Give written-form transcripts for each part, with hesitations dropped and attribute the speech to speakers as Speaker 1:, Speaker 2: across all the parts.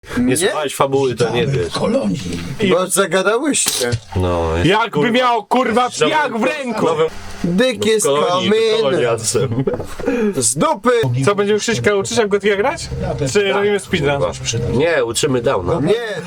Speaker 1: Nie słuchałeś fabuły, to nie wiesz.
Speaker 2: Bo zagadałyście.
Speaker 1: No.
Speaker 3: Jakby miał kurwa jak w ręku!
Speaker 2: Dick is coming.
Speaker 1: Kolonialcem.
Speaker 2: Z dupy.
Speaker 3: Co, będziemy Krzyśka uczyć jak Gotika grać? Czy robimy speedrun?
Speaker 1: Nie, uczymy downa.
Speaker 2: Nie.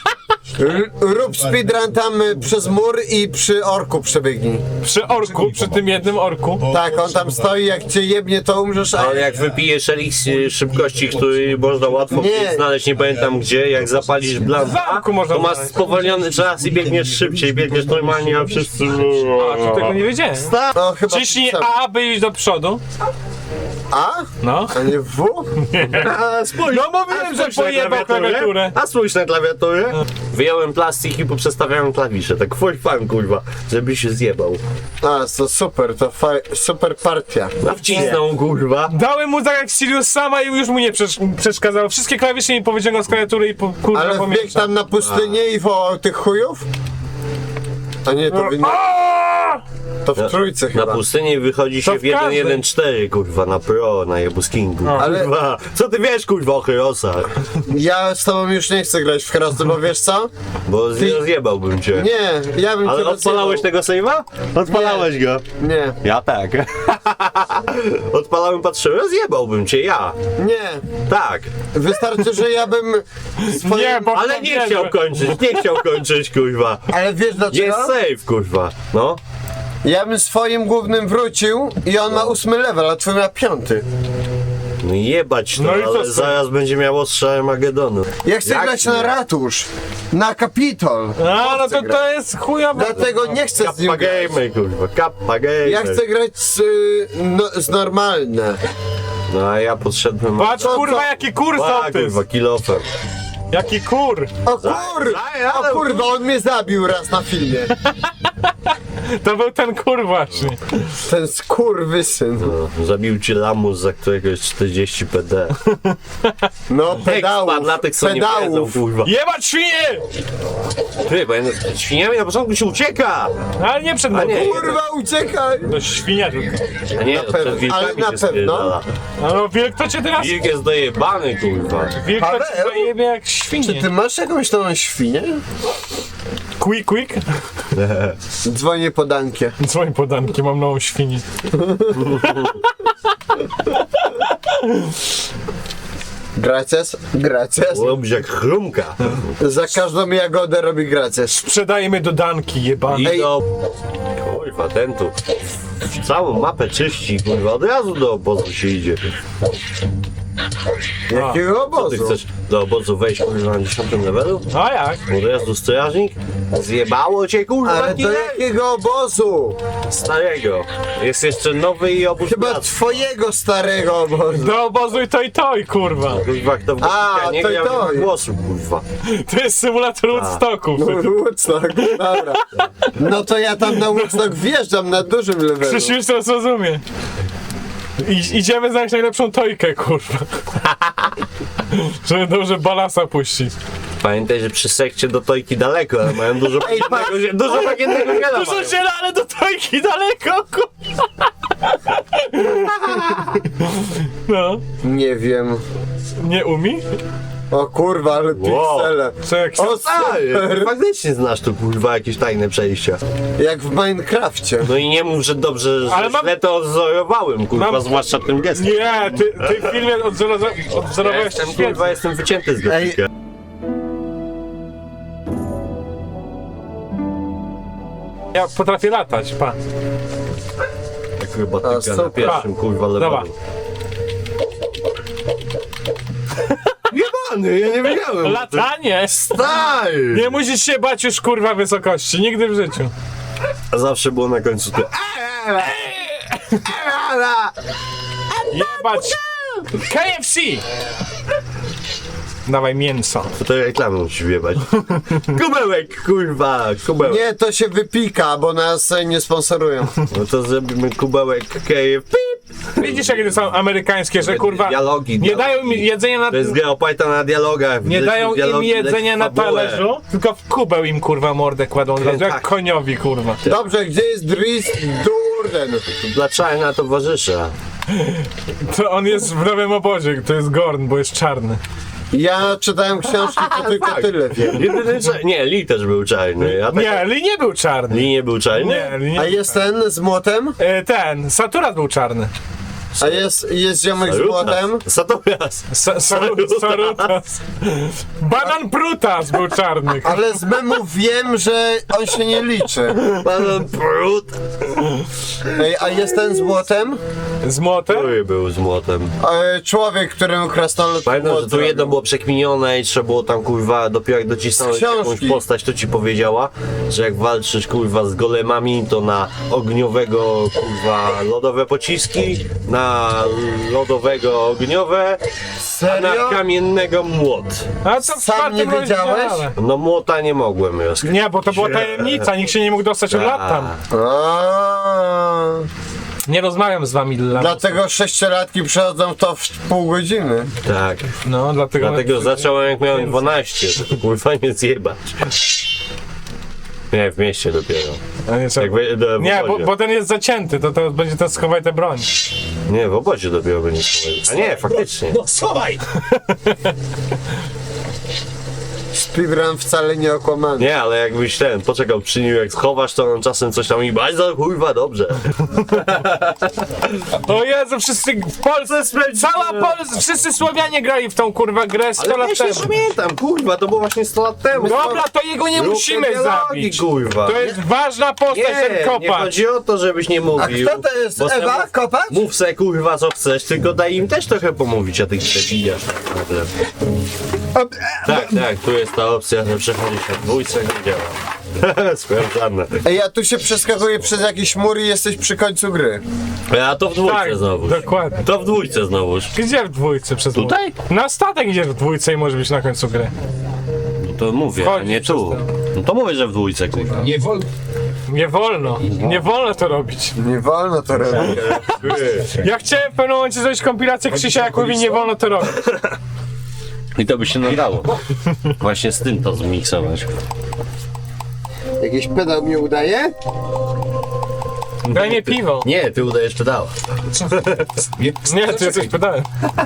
Speaker 2: Rób speedrun tam przez mur i przy orku przebiegnij.
Speaker 3: Przy orku, przy tym jednym orku.
Speaker 2: Tak, on tam stoi, jak cię jebnie to umrzesz, a...
Speaker 1: Ale jak wypijesz eliksir szybkości, który można łatwo
Speaker 2: Nie.
Speaker 1: znaleźć, nie pamiętam gdzie, jak zapalisz
Speaker 3: W
Speaker 1: blanta,
Speaker 3: zamku można
Speaker 1: to masz
Speaker 3: znaleźć.
Speaker 1: spowolniony czas i biegniesz szybciej, biegniesz normalnie, a wszyscy...
Speaker 3: A, to tego nie wiedziałem.
Speaker 2: No chyba...
Speaker 3: Ciśnij A, by iść do przodu.
Speaker 2: A?
Speaker 3: No.
Speaker 2: A nie W?
Speaker 1: A, spójrz,
Speaker 3: No mówiłem, że pojebał klawiaturę.
Speaker 1: A spójrz na klawiaturę. Wyjąłem plastik i poprzestawiałem klawisze, tak for fun, kurwa, żeby się zjebał.
Speaker 2: A, to super, to super partia.
Speaker 1: A wcisnął, kurwa.
Speaker 3: Dałem mu tak jak Sirius sama i już mu nie przeszkadzało. Wszystkie klawisze mi powyciągał z klawiatury i kurwa
Speaker 2: Ale wbiegł
Speaker 3: pomieszał.
Speaker 2: tam na pustynię i wołał tych chujów? A nie, to to w trójce
Speaker 1: Na
Speaker 2: chyba.
Speaker 1: pustyni wychodzi
Speaker 3: To
Speaker 1: się w
Speaker 3: w każdej.
Speaker 1: 1.1.4, kurwa, na pro, na Jebuskingu.
Speaker 2: Ale-
Speaker 1: Kurwa, co ty wiesz, kurwa, o Herosach?
Speaker 2: Ja z tobą już nie chcę grać w Herosy, bo wiesz co?
Speaker 1: Bo rozjebałbym cię.
Speaker 2: Nie, ja bym
Speaker 1: Ale
Speaker 2: cię
Speaker 1: odpalałeś tego save'a? Odpalałeś go.
Speaker 2: Nie,
Speaker 1: Ja tak. Odpalałem, patrzyłem, rozjebałbym cię, ja.
Speaker 2: nie.
Speaker 1: Tak.
Speaker 2: Wystarczy, że ja bym swoim...
Speaker 3: Nie, bo
Speaker 1: Ale nie chciał kończyć, kurwa.
Speaker 2: Ale wiesz dlaczego?
Speaker 1: Jest save, kurwa. No.
Speaker 2: Ja bym swoim głównym wrócił i on ma 8 level, a twój ma 5.
Speaker 1: No jebać to,
Speaker 3: No i co
Speaker 1: ale
Speaker 3: z tym?
Speaker 1: zaraz będzie miało ostrze Armagedonu.
Speaker 2: Ja chcę
Speaker 1: Jak
Speaker 2: grać
Speaker 1: nie?
Speaker 2: na ratusz, na Kapitol.
Speaker 3: A, no
Speaker 2: chcę
Speaker 3: to
Speaker 2: grać.
Speaker 3: to jest chujowe.
Speaker 2: Dlatego nie chcę z nim
Speaker 1: Kappa
Speaker 2: grać.
Speaker 1: gamer, kurwa, kappa gamer.
Speaker 2: Ja chcę grać z normalne.
Speaker 1: No a ja podszedłem...
Speaker 3: Patrz kurwa jaki kur
Speaker 1: A,
Speaker 3: sołtys.
Speaker 1: kurwa, kilofem.
Speaker 3: Jaki kur.
Speaker 2: O kurwa, on mnie zabił raz na filmie.
Speaker 3: To był ten kur właśnie.
Speaker 2: Ten skurwysyn.
Speaker 1: No, zabił ci lamus, za którego jest 40 PD.
Speaker 2: No pedałów,
Speaker 1: Ekspan dla tych, co nie wiedzą,
Speaker 2: pedałów.
Speaker 1: kurwa.
Speaker 3: Jebać świnie!
Speaker 1: Ty, bo ja świniami na początku się ucieka!
Speaker 3: Ale nie przed
Speaker 1: A nie,
Speaker 2: Kurwa, uciekaj!
Speaker 3: No świnia tylko.
Speaker 1: a nie, to
Speaker 2: pewno,
Speaker 1: przed wilkami
Speaker 2: ale na
Speaker 1: się
Speaker 2: pewno.
Speaker 1: spierdala.
Speaker 3: No wilk to cię teraz...
Speaker 1: Wilk jest dojebany, kurwa.
Speaker 3: Wilk to cię
Speaker 2: Paweł?
Speaker 3: zajebie jak
Speaker 2: Czy
Speaker 3: świnie.
Speaker 2: ty masz jakąś nową świnię?
Speaker 3: Quick.
Speaker 2: Dzwonię po Dankie.
Speaker 3: Dzwoń podanki, mam nową świnię.
Speaker 2: Gracias, gracias.
Speaker 1: Robisz jak chrumka.
Speaker 2: Za każdą jagodę robi gracias.
Speaker 3: Sprzedajmy do danki, jebany.
Speaker 1: I
Speaker 2: Ej.
Speaker 1: do... Kurwa, ten tu całą mapę czyści, kurwa, od razu do obozu się idzie.
Speaker 2: Jakiego
Speaker 1: Co ty
Speaker 2: obozu?
Speaker 1: chcesz do obozu wejść, kurwa, na 10 levelu?
Speaker 3: A jak?
Speaker 1: Od razu strażnik? Zjebało cię, kurwa,
Speaker 2: Ale do
Speaker 1: killer?
Speaker 2: jakiego obozu?
Speaker 1: Starego. Jest jeszcze nowy i obóz
Speaker 2: Chyba
Speaker 1: pracy.
Speaker 2: twojego starego obozu.
Speaker 3: Do obozu i toj, kurwa.
Speaker 1: Kurwa, kto w
Speaker 2: A,
Speaker 1: Głośnika nie
Speaker 2: to i
Speaker 1: grał,
Speaker 2: to.
Speaker 1: nie ma głosu, kurwa.
Speaker 3: To jest symulator Woodstocku.
Speaker 2: Woodstock, dobra. No to ja tam na Woodstock wjeżdżam na dużym levelu.
Speaker 3: Krzyś już to zrozumie. Idziemy znaleźć najlepszą tojkę, kurwa. Żeby dobrze balasa puścić.
Speaker 1: Pamiętaj, że przy sekcie do tojki daleko, ale mają dużo bagiennego ziela.
Speaker 3: Dużo
Speaker 1: mają.
Speaker 3: ziela, ale do tojki daleko, kurwa. No,
Speaker 2: Nie wiem.
Speaker 3: nie umi?
Speaker 2: O kurwa, ale piksele.
Speaker 3: Co jak się...
Speaker 2: O
Speaker 1: Ty
Speaker 2: super!
Speaker 1: faktycznie znasz tu, kurwa, jakieś tajne przejścia.
Speaker 2: Jak w Minecrafcie.
Speaker 1: No i nie mów, że dobrze, że
Speaker 3: Ale mam-
Speaker 1: źle to odzorowałem, kurwa,
Speaker 3: Mam-
Speaker 1: zwłaszcza tym gestem.
Speaker 3: Nie, ty w filmie odzorowałeś
Speaker 1: Jestem,
Speaker 3: świetnie.
Speaker 1: kurwa, jestem wycięty z grafika.
Speaker 3: Ja potrafię latać, pa.
Speaker 1: Akrobatyka na
Speaker 2: super.
Speaker 1: pierwszym, kurwa,
Speaker 3: Dobra.
Speaker 1: levelu. Jebany, ja nie wiedziałem.
Speaker 3: Latanie!
Speaker 1: Stary!
Speaker 3: Nie musisz się bać już, kurwa, wysokości. Nigdy w życiu.
Speaker 1: Zawsze było na końcu te...
Speaker 3: Jebać! KFC! Dawaj mięso.
Speaker 1: To reklamę musisz wjebać. Kubełek, kurwa, kubełek.
Speaker 2: Nie, to się wypika, bo nas nie sponsorują.
Speaker 1: No to zrobimy kubełek KFC.
Speaker 3: Widzisz, jakie to są amerykańskie, że kurwa
Speaker 1: Dialogi,
Speaker 3: nie dają mi jedzenia na...
Speaker 1: To jest gra oparta na dialogach.
Speaker 3: Nie dają im jedzenia na talerzu, tylko w kubeł im kurwa mordę kładą od razu, jak
Speaker 1: Tak.
Speaker 3: koniowi kurwa.
Speaker 2: Dobrze, gdzie jest Dries Durden?
Speaker 1: Dla czarna towarzysza.
Speaker 3: To on jest w nowym obozie, to jest Gorn, bo jest czarny.
Speaker 2: Ja czytałem książki, to tylko tyle wiem.
Speaker 1: Jedyny nie, Lee też był czarny. A tak,
Speaker 3: Nie, Lee nie był czarny.
Speaker 1: Lee nie był czarny?
Speaker 3: Nie, Lee
Speaker 2: A
Speaker 3: nie.
Speaker 2: jest ten z młotem?
Speaker 3: Ten, Saturas był czarny.
Speaker 2: A jest ziomek z młotem?
Speaker 1: Saturas.
Speaker 3: Sarutas. Banan Prutas był czarny.
Speaker 2: Ale z memów wiem, że on się nie liczy.
Speaker 1: Pan Prut.
Speaker 2: Ej, a jest ten z młotem?
Speaker 3: Z młotem?
Speaker 1: Który był z młotem?
Speaker 2: Człowiek, któremu krasnolud
Speaker 1: Pamiętam, że
Speaker 2: młot
Speaker 1: tu jedno
Speaker 2: zrobił.
Speaker 1: było przekminione i trzeba było tam kurwa dopiero jak docisnąć
Speaker 2: Z książki.
Speaker 1: jakąś postać, to ci powiedziała, że jak walczysz kurwa z golemami, to na ogniowego kurwa lodowe pociski, na lodowego ogniowe, a na
Speaker 2: Serio?
Speaker 1: kamiennego młot.
Speaker 3: A co w
Speaker 2: Sam
Speaker 3: czwartym
Speaker 2: nie wiedziałeś?
Speaker 3: rozdziale?
Speaker 1: No młota nie mogłem rozkryć.
Speaker 3: Nie, bo to była tajemnica, nikt się nie mógł dostać od lat tam.
Speaker 2: A,
Speaker 3: Nie rozmawiam z wami dla.
Speaker 2: dlatego sześciolatki przechodzą to w pół godziny.
Speaker 1: Tak.
Speaker 3: No,
Speaker 1: Dlatego zacząłem jak miałem 12, to kurwa nie zjebać. Nie, w mieście dopiero.
Speaker 3: A nie,
Speaker 1: Jak w
Speaker 3: nie,
Speaker 1: obozie.
Speaker 3: bo ten jest zacięty, to będzie ten schowaj tę broń.
Speaker 1: Nie, w obozie dopiero będzie schowaj. A nie, faktycznie.
Speaker 4: No schowaj!
Speaker 2: Speedrun wcale nie okłamany.
Speaker 1: Nie, ale jakbyś poczekał przy nim, jak schowasz, to on czasem coś tam i bardzo kurwa dobrze.
Speaker 3: O Jezu, wszyscy w Polsce, cała Polska, wszyscy Słowianie grali w tą kurwa grę 100 lat temu.
Speaker 1: pamiętam, kurwa, to było właśnie 100 lat temu.
Speaker 3: Dobra, to jego nie musimy zabić.
Speaker 1: Kurwa.
Speaker 3: To jest ważna postać, ten
Speaker 1: Nie
Speaker 3: kopacz.
Speaker 1: chodzi o to, żebyś nie
Speaker 2: A
Speaker 1: mówił.
Speaker 2: kto to jest?
Speaker 1: bo se
Speaker 2: Ewa?
Speaker 1: mów-
Speaker 2: Kopacz?
Speaker 1: Mów se kurwa co chcesz, tylko daj im też trochę pomówić, a ty debiliasz. Tak, tu jest ta opcja, że przechodzić na dwójce, nie działa. Sprawdzane.
Speaker 2: Ej, a tu się przeskakuje przez jakiś mur i jesteś przy końcu gry.
Speaker 1: A to w dwójce
Speaker 3: Tak,
Speaker 1: znowu.
Speaker 3: dokładnie.
Speaker 1: To w dwójce znowuż.
Speaker 3: Gdzie w dwójce przez
Speaker 1: Tutaj?
Speaker 3: Na statek idziesz w dwójce i może być na końcu gry.
Speaker 1: No to mówię, a
Speaker 3: Wchodzi
Speaker 1: nie tu. No to mówię, że w dwójce, kurwa.
Speaker 4: Nie wolno.
Speaker 3: Nie wolno to robić.
Speaker 2: Nie wolno to robić.
Speaker 3: Ja chciałem w pewnym momencie zrobić kompilację Krzysia, jak mówi nie wolno to robić.
Speaker 1: I to by się nadało. Właśnie z tym to zmiksować.
Speaker 2: Jakiś pedał mi udaje?
Speaker 3: Daj mnie piwo.
Speaker 1: Nie, ty udajesz pedała.
Speaker 3: Nie, ty jesteś pedałem.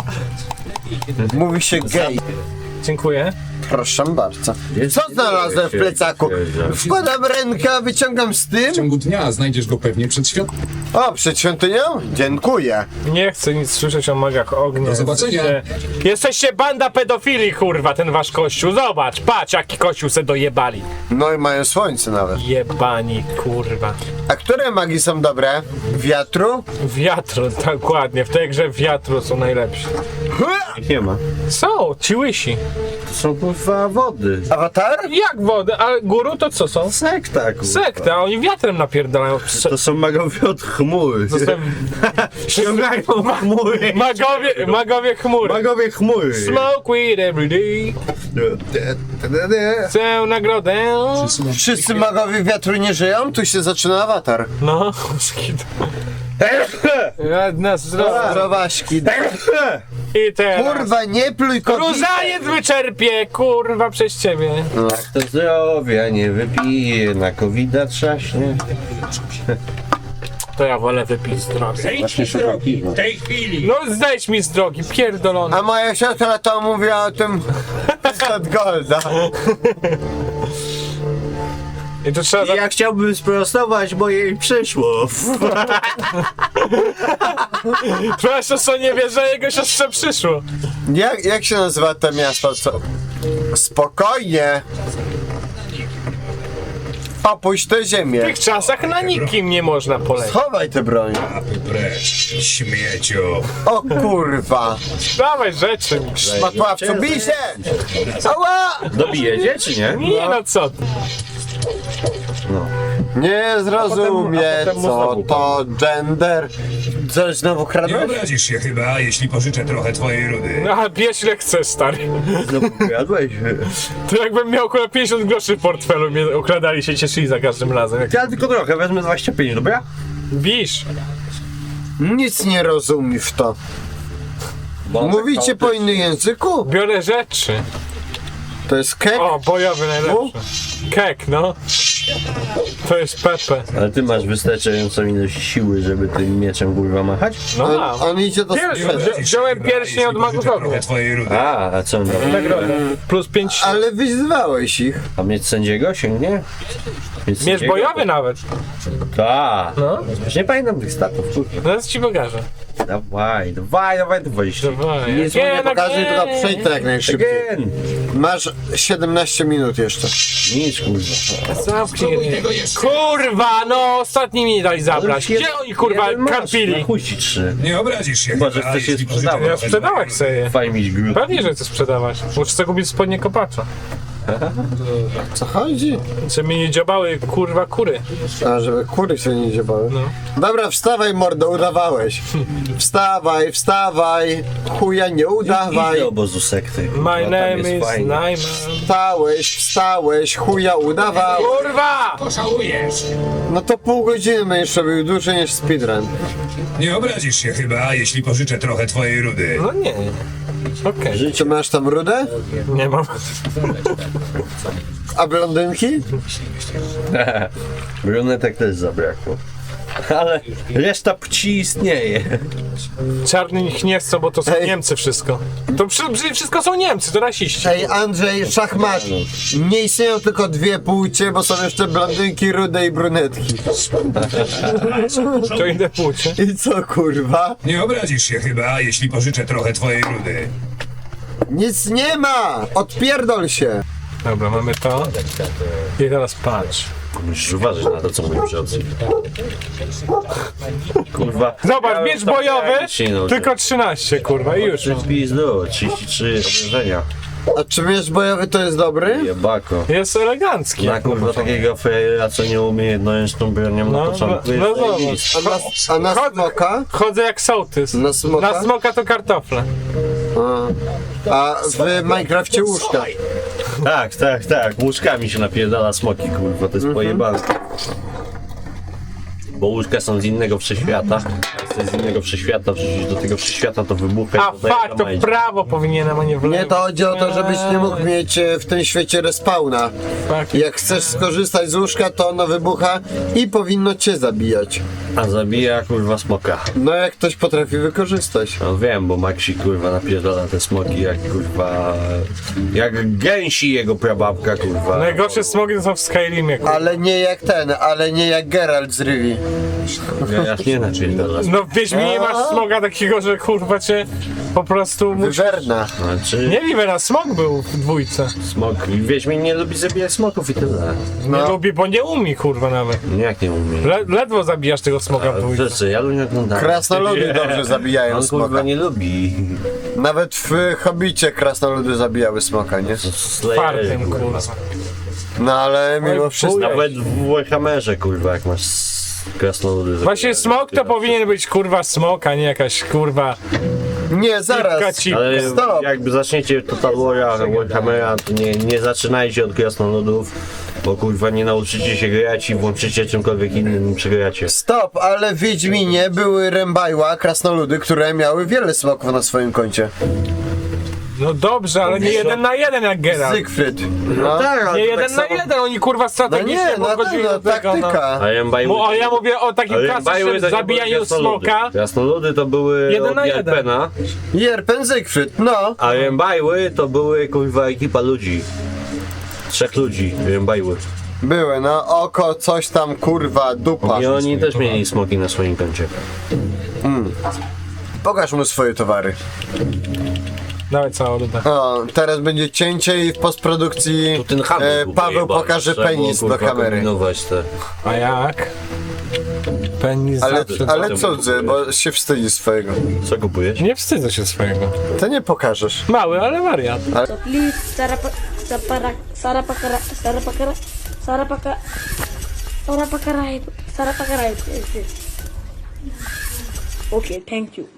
Speaker 2: Mówi się gej.
Speaker 3: Dziękuję.
Speaker 2: Proszę bardzo. Co znalazłem w plecaku? Wkładam rękę, a wyciągam z
Speaker 4: W
Speaker 2: tym.
Speaker 4: ciągu dnia znajdziesz go pewnie przed świątami.
Speaker 2: O, przed świątynią? Dziękuję.
Speaker 3: Nie chcę nic słyszeć o magach ognia.
Speaker 4: Do zobaczenia.
Speaker 3: Jesteście banda pedofili, kurwa, ten wasz kościół. Zobacz, patrz, jaki kościół se dojebali.
Speaker 2: No i mają słońce nawet.
Speaker 3: Jebani, kurwa.
Speaker 2: A które magii są dobre? Wiatru?
Speaker 3: Wiatru, dokładnie. W tej grze wiatru są najlepsi.
Speaker 1: Nie ma.
Speaker 3: Są, ci łysi.
Speaker 1: To są kurwa wody.
Speaker 2: Awatar?
Speaker 3: Jak wodę, a guru to co są?
Speaker 1: Sekta, kurwa.
Speaker 3: Sekta, a oni wiatrem napierdalają.
Speaker 1: To są magowie od chmury. Ściągają chmury.
Speaker 3: Magowie chmury.
Speaker 1: Magowie chmury.
Speaker 3: Smoke weed every day. Chcę nagrodę.
Speaker 2: Wszyscy magowie wiatru nie żyją? Tu się zaczyna awatar.
Speaker 3: No, skid. Jedna zdrowa.
Speaker 2: Zdrowaśki.
Speaker 3: I teraz.
Speaker 2: Kurwa, nie pluj kobiety.
Speaker 3: Różaniec wyczerpie, kurwa, przez ciebie.
Speaker 1: Jak to zdrowia nie wypije, na covida trzaśnie.
Speaker 3: To ja wolę wypić z drogi.
Speaker 1: Właśnie szukam piwa.
Speaker 4: W tej chwili!
Speaker 3: No zejdź mi z drogi, pierdolony.
Speaker 2: A moja siostra to mówiła o tym od Golda.
Speaker 3: I to trzeba...
Speaker 1: Ja chciałbym sprostować, bo jej przyszło.
Speaker 3: Twoja siostra nie wie, że jego siostrze przyszło.
Speaker 2: Jak się nazywa to miasto? Co? Spokojnie. Opuść tę
Speaker 3: W
Speaker 2: ziemię.
Speaker 3: tych czasach na nikim nie można polecieć.
Speaker 2: Schowaj tę broń.
Speaker 4: Precz, śmieciu!
Speaker 2: O kurwa.
Speaker 3: Dawaj rzeczy.
Speaker 2: Matławcu, bij się! Ała!
Speaker 1: Dobijecie, czy nie?
Speaker 3: Nie no co ty.
Speaker 2: Nie zrozumie,
Speaker 1: potem
Speaker 2: co
Speaker 1: znowu
Speaker 2: to gender. Coś znowu
Speaker 4: Nie
Speaker 2: kradłeś?
Speaker 4: obrazisz się chyba, jeśli pożyczę trochę twojej rudy.
Speaker 3: No, a bierz ile chcesz, stary.
Speaker 1: Znowu jadłeś.
Speaker 3: To jakbym miał około 50 groszy w portfelu, mnie okradali się, cieszyli za każdym razem. Jak
Speaker 1: Ja tylko trochę, wezmę 25, dobra?
Speaker 3: bisz.
Speaker 2: Nic nie rozumiesz w to. Mówicie po innym języku?
Speaker 3: Biorę rzeczy.
Speaker 2: To jest kek?
Speaker 3: O, bojowy najlepszy. Kek, no. To jest Pepe.
Speaker 1: Ale ty masz wystarczającą ilość siły, żeby tym mieczem kurwa machać?
Speaker 3: No mam.
Speaker 2: On idzie do sprzętu.
Speaker 3: Wziąłem pierścień od magów
Speaker 4: Pożyczę
Speaker 3: ognia.
Speaker 4: trochę twojej rudy.
Speaker 1: A co on robi?
Speaker 3: Nagrodę. Plus 5.
Speaker 2: Ale wyzwałeś ich.
Speaker 1: A miecz sędziego sięgnie?
Speaker 3: Miecz bojowy nawet.
Speaker 1: Tak.
Speaker 3: No.
Speaker 1: Już nie pamiętam tych statów, kurwa.
Speaker 3: Zaraz ci pokażę.
Speaker 1: Dawaj.
Speaker 3: Dawaj.
Speaker 2: Nic mu nie pokażę, tylko przejdź to jak najszybciej.
Speaker 1: Again.
Speaker 2: Masz 17 minut jeszcze.
Speaker 1: Nic kurwa.
Speaker 3: Zamknij ryj. Kurwa, no ostatni mi nie dali zabrać. Gdzie oni kurwa karpili?
Speaker 1: Chuj ci 3.
Speaker 4: Nie obrazisz się
Speaker 1: Chyba, że
Speaker 4: chyba,
Speaker 1: chcesz się
Speaker 4: jeśli pożyczę
Speaker 1: sprzedawać.
Speaker 3: Ja
Speaker 4: trochę
Speaker 3: sprzedawać sobie.
Speaker 1: Fajnie mieć glut.
Speaker 3: Pewnie, że chcę sprzedawać. Muszę sobie kupić spodnie kopacza.
Speaker 2: Co chodzi?
Speaker 3: Żeby mi nie dziobały kurwa kury.
Speaker 2: A, żeby kury się nie dziebały.
Speaker 3: No.
Speaker 2: Dobra, wstawaj mordo, udawałeś. Wstawaj, wstawaj. Chuja nie udawaj.
Speaker 1: Idź do obozu sekty. kurwa,
Speaker 3: My
Speaker 1: tam
Speaker 3: name
Speaker 1: jest
Speaker 3: is
Speaker 1: fajnie.
Speaker 3: Najman.
Speaker 2: Wstałeś, chuja udawałeś.
Speaker 3: Kurwa!
Speaker 4: Poszałujesz.
Speaker 2: No to pół godziny będziesz robił dłużej niż speedrun.
Speaker 4: Nie obrazisz się chyba, jeśli pożyczę trochę twojej rudy.
Speaker 3: No nie. Okej.
Speaker 2: Czy masz tam rudę?
Speaker 3: Nie mam.
Speaker 2: A blondynki?
Speaker 1: Brunetek też zabrakło. Ale reszta płci istnieje.
Speaker 3: Czarny ich nie chcą, bo to są
Speaker 2: Ej.
Speaker 3: Niemcy wszystko. To wszystko są Niemcy, to rasiści.
Speaker 2: Ej, Andrzej, szachmat. Nie istnieją tylko dwie płcie, bo są jeszcze blondynki, rude i brunetki.
Speaker 3: To idę płcie.
Speaker 2: I co, kurwa?
Speaker 4: Nie obrazisz się chyba, jeśli pożyczę trochę twojej rudy.
Speaker 2: Nic nie ma! Odpierdol się!
Speaker 3: Dobra, mamy to. I teraz patrz.
Speaker 1: Musisz uważać na to, co mówią przodcy. Kurwa.
Speaker 3: Zobacz, miecz bojowy,
Speaker 1: no,
Speaker 3: tylko 13, kurwa, i już.
Speaker 1: Ty w pizdu, 33 obrażenia.
Speaker 2: A czy wiesz bojowy to jest dobry?
Speaker 1: Jebako.
Speaker 3: Jest elegancki.
Speaker 1: Na kurwa takiego frejera, co nie umie jednoręczną bronią na
Speaker 3: No,
Speaker 1: początku
Speaker 3: no
Speaker 1: jest
Speaker 3: zobacz.
Speaker 1: zajebisty.
Speaker 2: A na smoka?
Speaker 3: Chodzę jak sołtys.
Speaker 2: Na smoka?
Speaker 3: Na smoka to kartofle.
Speaker 2: A w Minecrafcie łóżka.
Speaker 1: Tak. Łóżkami się napierdala smoki, kurwa, to jest pojebane. Bo łóżka są z innego wszechświata. Jak coś z innego wszechświata wrzucić do tego wszechświata, to wybucha
Speaker 3: A
Speaker 1: i dodaje
Speaker 3: fakt, to w prawo powinienem, a nie w lewo.
Speaker 2: Nie, to chodzi o to, żebyś nie mógł mieć w tym świecie respawna.
Speaker 3: Fakt.
Speaker 2: Jak chcesz skorzystać z łóżka, to ono wybucha i powinno cię zabijać.
Speaker 1: A zabija kurwa smoka.
Speaker 2: No jak ktoś potrafi wykorzystać.
Speaker 1: No wiem, bo Maxi kurwa napierdala te smoki jak kurwa... Jak gęsi jego prababka kurwa.
Speaker 3: Najgorsze smogi to są w Skyrimie, kurwa.
Speaker 2: Ale nie jak Geralt z Rivi.
Speaker 1: Ja nie napierdala.
Speaker 3: No w Wiedźminie masz smoga takiego, że kurwa cię po prostu musi...
Speaker 2: Wywerna.
Speaker 1: Znaczy,
Speaker 3: Nie Livera, smog był w dwójce.
Speaker 1: smok. Wiedźmin nie lubi zabijać smoków i tyle.
Speaker 3: Nie lubi, bo nie umie kurwa nawet.
Speaker 1: Jak nie umie.
Speaker 3: Ledwo zabijasz tego smoga w dwójce.
Speaker 1: Rzeczy, ja nie oglądam.
Speaker 2: Krasnoludy dobrze zabijają
Speaker 1: On kurwa
Speaker 2: smoka.
Speaker 1: nie lubi.
Speaker 2: Nawet w Hobbicie krasnoludy zabijały smoka, nie?
Speaker 1: Slayerzy,
Speaker 3: Fartem kurwa.
Speaker 2: No ale mimo
Speaker 3: Oj,
Speaker 2: wszystko.
Speaker 3: chuj.
Speaker 1: Nawet w Warhammerze kurwa jak masz krasnoludy.
Speaker 3: Właśnie smok to powinien być kurwa smok, a nie jakaś kurwa
Speaker 2: Nie, zaraz.
Speaker 3: cipka.
Speaker 1: Ale
Speaker 2: Stop.
Speaker 1: jakby zaczniecie Total Warhammera, to nie zaczynajcie od krasnoludów, bo kurwa nie nauczycie się grać i włączycie czymkolwiek innym przegracie.
Speaker 2: Stop, ale w Wiedźminie były Rembajła, krasnoludy, które miały wiele smoków na swoim koncie.
Speaker 3: No dobrze, ale nie 1 na 1 jak Geralt.
Speaker 2: Siegfried. No,
Speaker 1: Tak, ale
Speaker 3: Nie
Speaker 1: to
Speaker 3: 1
Speaker 1: tak
Speaker 3: na
Speaker 1: samo-
Speaker 3: 1, oni kurwa
Speaker 2: no
Speaker 3: strategicznie
Speaker 2: nie, no
Speaker 3: podchodzili
Speaker 2: tak, no
Speaker 3: do tego, no.
Speaker 2: taktyka.
Speaker 1: A Rembajły...
Speaker 3: Bo ja mówię o takim klasycznym zabijaniu smoka.
Speaker 1: Krasnoludy to były
Speaker 3: 1
Speaker 1: od
Speaker 3: na 1.
Speaker 1: Jarpena,
Speaker 2: Jerpen Siegfried, no.
Speaker 1: a Rembajły to były kurwa ekipa ludzi. 3 ludzi Rembajły.
Speaker 2: Były, no oko, coś tam, kurwa, dupa.
Speaker 1: I oni też mieli smoki na swoim koncie.
Speaker 2: Pokaż mu swoje towary.
Speaker 3: Dawaj całą rudę.
Speaker 2: O, teraz będzie cięcie i w postprodukcji
Speaker 1: Ten handel był
Speaker 2: Paweł
Speaker 1: pojebany.
Speaker 2: pokaże
Speaker 1: Trzeba było,
Speaker 2: penis do
Speaker 1: kurwa,
Speaker 2: kamery.
Speaker 1: kombinować te.
Speaker 3: A jak? Penis
Speaker 2: Ale,
Speaker 3: zawsze.
Speaker 2: ale cudzy, bo się wstydzi swojego.
Speaker 1: Co kupujesz?
Speaker 3: Nie wstydzę się swojego.
Speaker 2: To nie pokażesz.
Speaker 3: Mały, ale wariat.
Speaker 5: So please, Sarapakara, Okay, thank you.